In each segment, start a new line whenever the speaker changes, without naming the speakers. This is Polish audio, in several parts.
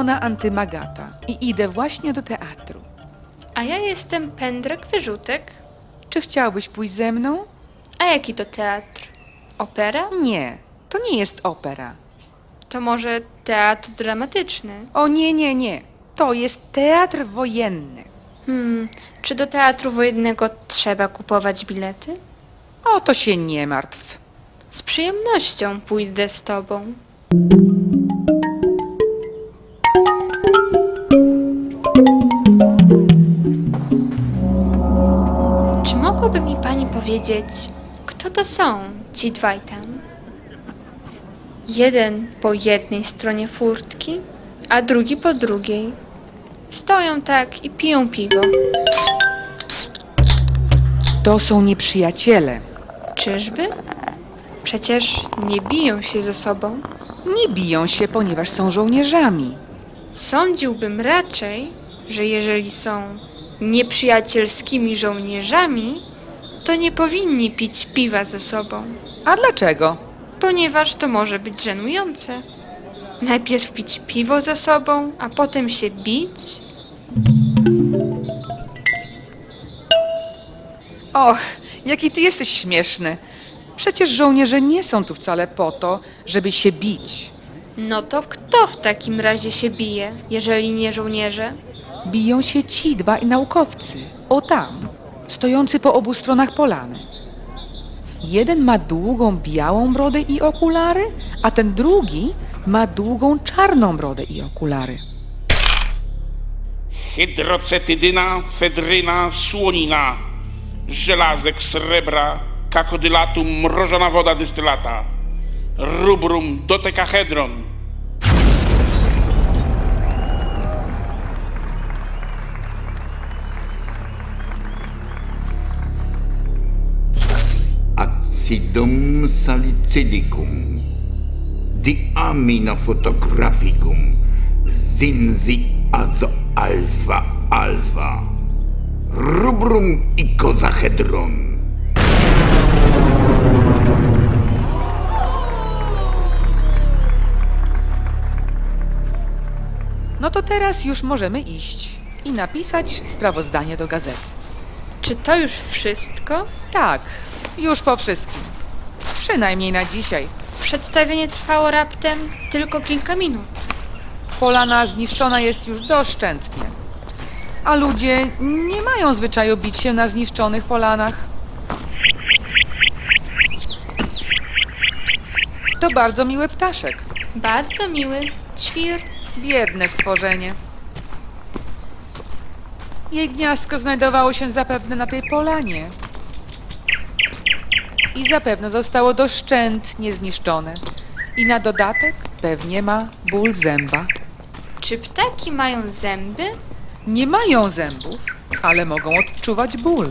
Ilona Antymagata i idę właśnie do teatru.
A ja jestem Pędrek Wyrzutek.
Czy chciałbyś pójść ze mną?
A jaki to teatr? Opera?
Nie, to nie jest opera.
To może teatr dramatyczny?
O nie, nie, nie. To jest teatr wojenny.
Czy do teatru wojennego trzeba kupować bilety?
O to się nie martw.
Z przyjemnością pójdę z tobą. Czy mogłaby mi pani powiedzieć, kto to są ci dwaj tam? Jeden po jednej stronie furtki, a drugi po drugiej. Stoją tak i piją piwo.
To są nieprzyjaciele.
Czyżby? Przecież nie biją się ze sobą.
Nie biją się, ponieważ są żołnierzami.
Sądziłbym raczej, że jeżeli są nieprzyjacielskimi żołnierzami, to nie powinni pić piwa ze sobą,
A dlaczego?
ponieważ to może być żenujące. Najpierw pić piwo ze sobą, a potem się bić?
Och, jaki ty jesteś śmieszny. Przecież żołnierze nie są tu wcale po to, żeby się bić.
No to kto w takim razie się bije, jeżeli nie żołnierze?
Biją się ci dwaj naukowcy. O tam, stojący po obu stronach polany. Jeden ma długą białą brodę i okulary, a ten drugi ma długą czarną brodę i okulary.
Hydrocetydyna, fedryna, słonina, żelazek, srebra, kakodylatum, mrożona woda dystylata, rubrum, dodekahedron.
Acidum salicylicum, diaminofotographicum, zinzi azo alfa alfa, rubrum icosahedron.
No to teraz już możemy iść i napisać sprawozdanie do gazety.
Czy to już wszystko?
Tak, już po wszystkim. Przynajmniej na dzisiaj.
Przedstawienie trwało raptem tylko kilka minut.
Polana zniszczona jest już doszczętnie. A ludzie nie mają zwyczaju bić się na zniszczonych polanach. To bardzo miły ptaszek.
Bardzo miły. Ćwir.
Biedne stworzenie. Jej gniazdko znajdowało się zapewne na tej polanie. I zapewne zostało doszczętnie zniszczone. I na dodatek pewnie ma ból zęba.
Czy ptaki mają zęby?
Nie mają zębów, ale mogą odczuwać ból.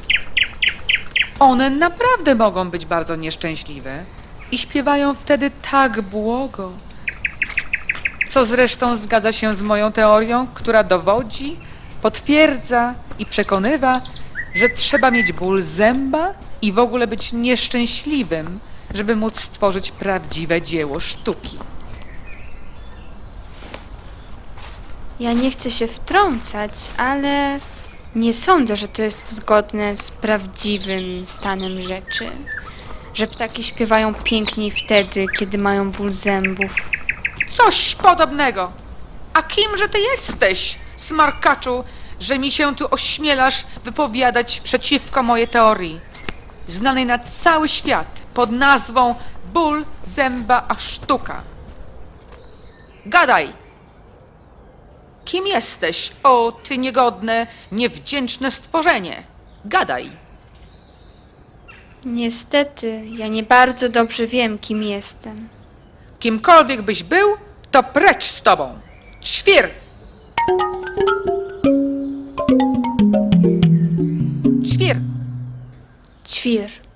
One naprawdę mogą być bardzo nieszczęśliwe i śpiewają wtedy tak błogo. Co zresztą zgadza się z moją teorią, która dowodzi, potwierdza i przekonywa, że trzeba mieć ból zęba i w ogóle być nieszczęśliwym, żeby móc stworzyć prawdziwe dzieło sztuki.
Ja nie chcę się wtrącać, ale nie sądzę, że to jest zgodne z prawdziwym stanem rzeczy. Że ptaki śpiewają piękniej wtedy, kiedy mają ból zębów.
Coś podobnego. A kimże ty jesteś, smarkaczu, że mi się tu ośmielasz wypowiadać przeciwko mojej teorii, znanej na cały świat pod nazwą ból zęba a sztuka? Gadaj! Kim jesteś, o ty niegodne, niewdzięczne stworzenie? Gadaj!
Niestety, ja nie bardzo dobrze wiem, kim jestem.
Kimkolwiek byś był, to precz z tobą! Świr! Świr!
Ćwir.